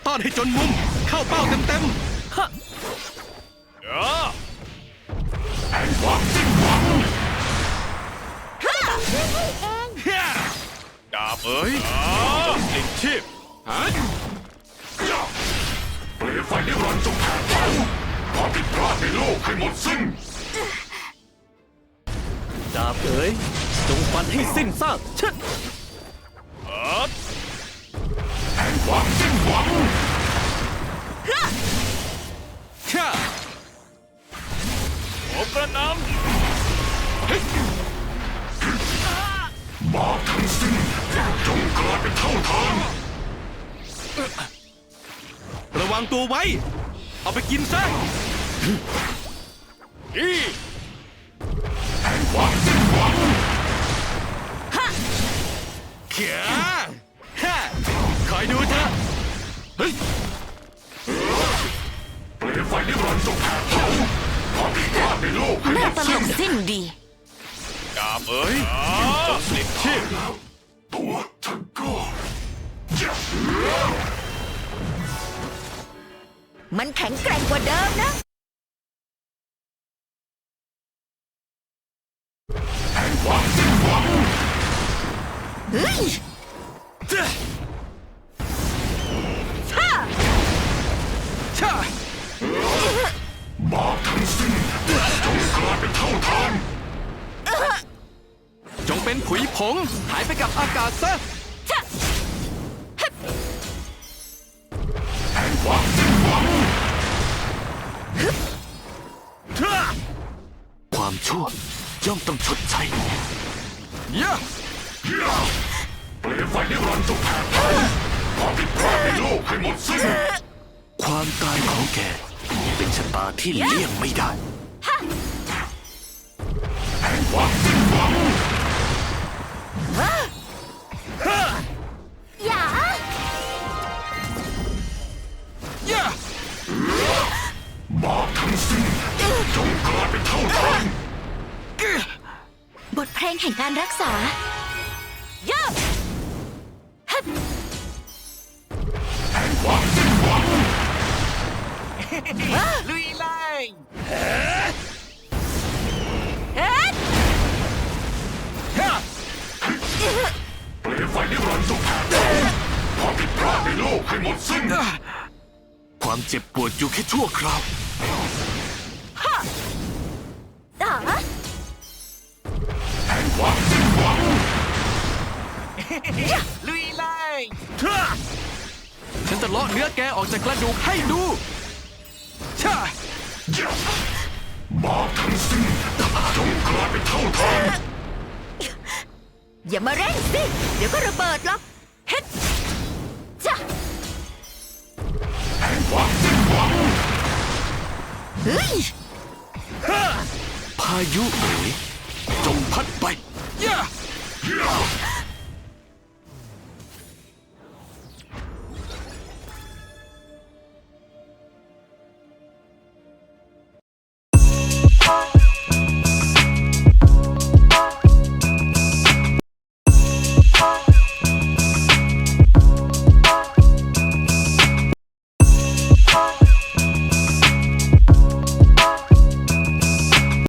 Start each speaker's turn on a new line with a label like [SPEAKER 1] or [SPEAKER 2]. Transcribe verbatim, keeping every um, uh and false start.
[SPEAKER 1] ต้อนให้จนมุมเข้าเป้าเต็มๆฮะ
[SPEAKER 2] แห่งความสิ้นหวัง
[SPEAKER 3] ฮ่าเอง
[SPEAKER 1] ดาบเอ๋ยจงสิ้นชีพฮะ
[SPEAKER 2] เปลวไฟนิรันดร์จงแผดเผาความผิดพลาดในโลกให้หมดสิ้น
[SPEAKER 1] ดาบเอ๋ยจงฟันให้สิ้นซากเชิด
[SPEAKER 2] แห่งความสิ้นหวัง
[SPEAKER 1] ฮ่าผมกระนำ
[SPEAKER 2] บาปทั้งสิ้นจงกลายเป็นเท่าทาน
[SPEAKER 1] ระวังตัวไว้เอาไปกินซะอี
[SPEAKER 2] แห่งความสิ้นหวัง
[SPEAKER 1] ฮ่าเขียฮ่าคอยดูเถอะเฮ้ย
[SPEAKER 2] เปลวไฟนิรันดร์จงแผดเผาความผิดพลาดในโลกให้หม
[SPEAKER 3] น่า
[SPEAKER 2] ด
[SPEAKER 3] ตล
[SPEAKER 2] สิ้น
[SPEAKER 3] กสิ้นดี
[SPEAKER 1] ดาบเอ๋ยจงสิ้นชีพ
[SPEAKER 2] แล้วตัวฉันก็
[SPEAKER 3] มันแข็งแกร่งกว่าเดิมนะ
[SPEAKER 2] แห่งความสิ้นหวัง
[SPEAKER 3] เฮ้ยฮ่า
[SPEAKER 1] ช่า
[SPEAKER 2] บาปทั้งสิ้นจงกลายเป็นเท่าทาน
[SPEAKER 1] จงเป็นผุยผงหายไปกับอากาศซะ
[SPEAKER 2] แห่งความสิ้นหวัง
[SPEAKER 1] ความชั่วย่อมต้องชดใช้ยะ
[SPEAKER 2] เปลวไฟนิรันดร์จงแผดเผาความผิดพลาดในโลกให้หมดสิ้น
[SPEAKER 1] ความตายของแกเป็นชะตาที่เลี่ยงไม่ได้
[SPEAKER 2] แห่งความสิ้นหวัง
[SPEAKER 3] อย่า
[SPEAKER 1] ย่า
[SPEAKER 2] บาปทั้งสิ้นจงกลายเป็นเท่าทาน
[SPEAKER 3] บทเพลงแห่งการรักษาย่าฮับ
[SPEAKER 2] แห่งความสิ้นหวัง
[SPEAKER 1] ลุยไล่
[SPEAKER 3] เอ็ด
[SPEAKER 2] เปลวไฟนิรันดร์จงแผดเผาความผิดพลาดในโลกให้หมดสิ้น
[SPEAKER 1] ความเจ็บปวดอยู่แค่ชั่วคราว
[SPEAKER 3] ฮ่าอ๋อ
[SPEAKER 2] แห่งความสิ้นหวัง
[SPEAKER 1] ลุยไล่ฉันจะเลาะเนื้อแกออกจากกระดูกให้ดูช่า
[SPEAKER 2] บาปทั้งสิ้นจงกลายเป็นเท่าทาน
[SPEAKER 3] อย่ามาเร่งสิเดี๋ยวก็ระเบิดหรอกเฮ็ดจ้ะ
[SPEAKER 2] แห่งความสิ้นหวัง
[SPEAKER 3] เฮ้ย
[SPEAKER 1] พายุเอ๋ยจงพัดไป